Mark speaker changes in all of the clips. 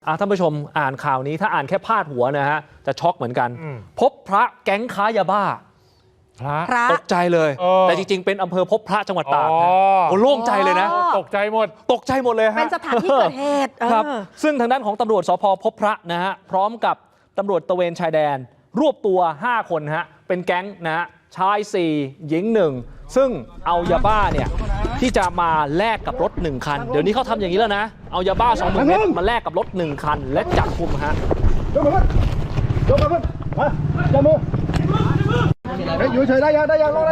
Speaker 1: ท่านผู้ชมอ่านข่าวนี้ถ้าอ่านแค่พาดหัวนะฮะจะช็อกเหมือนกันพบพระแก๊งค้ายาบ้าพระตกใจเลยแต่จริงๆเป็นอำเภอพบพระจังหวัดตากโอ้โล่งใจเลยนะตกใจหมดเลยฮะ
Speaker 2: เป็นสถานที่เกิดเหตุ
Speaker 1: ครับซึ่งทางด้านของตำรวจสภ.พบพระนะฮะพร้อมกับตำรวจตระเวนชายแดนรวบตัว5คนฮะเป็นแก๊งนะฮะชาย4หญิง1ซึ่งเอายาบ้าเนี่ยที่จะมาแลกกับรถ1คันเดี๋ยวนี้เขาทำอย่างนี้แล้วนะเอายาบ้า20,000 เม็ดมาแลกกับรถ1คันและจับกุมฮะ
Speaker 3: ยกมือมาจับมืออยู่เฉยได้ยังรอได้ยัง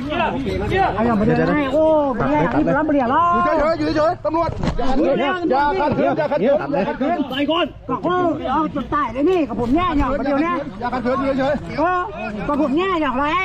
Speaker 2: โอ้ที่รับเรียรอ
Speaker 3: อยู่เฉยตำรวจอย่าขัดขืน
Speaker 2: ไปก่อนก็เอาจุดใต้เลยนี่กับผมแย่อย่างเดียวเนี่ย
Speaker 3: อย่าขัดขืนอยู่เฉย
Speaker 2: กับผมแย่อย่างไร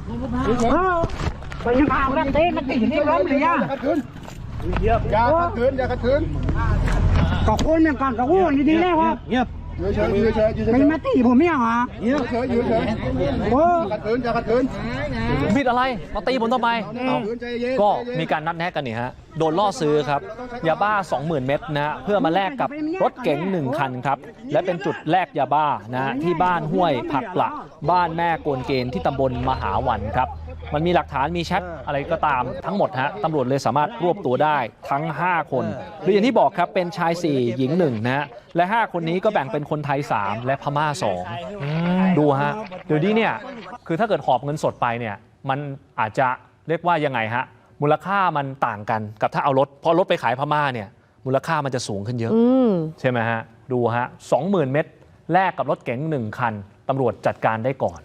Speaker 2: ไปยังข่าวนั่นเต้มันติดที่รับเรีย
Speaker 3: อย่าขัดขืน
Speaker 2: กับคนเนี่ยกันกับวู้ดีๆเลยครับ
Speaker 3: อยู่เฉย
Speaker 2: ไม่มาตีผมเนี่ยฮะ
Speaker 3: อยู่เฉยโอ้อย่าขัดขืน
Speaker 1: บิดอะไรมาตีผมทำไมก็มีการนัดแนะกันนี่ฮะโดนล่อซื้อครับยาบ้า 20,000 เม็ดนะเพื่อมาแลกกับรถเก๋ง1คันครับและเป็นจุดแลกยาบ้านะที่บ้านห้วยผักปละบ้านแม่โกนเกณฑ์ที่ตำบลมหาวันครับมันมีหลักฐานมีแชทอะไรก็ตามทั้งหมดฮะตำรวจเลยสามารถรวบตัวได้ทั้ง5คนหรืออย่างที่บอกครับเป็นชาย4หญิง1นะฮะและ5คนนี้ก็แบ่งเป็นคนไทย3และพม่า2ดูฮะเดี๋ยวนี้เนี่ยคือถ้าเกิดหอบเงินสดไปเนี่ยมันอาจจะเรียกว่ายังไงฮะมูลค่ามันต่างกันกับถ้าเอารถพอรถไปขายพม่าเนี่ยมูลค่ามันจะสูงขึ้นเยอะใช่ไหมฮะดูฮะ 20,000 เม็ดแลกกับรถเก๋ง1คันตำรวจจัดการได้ก่อน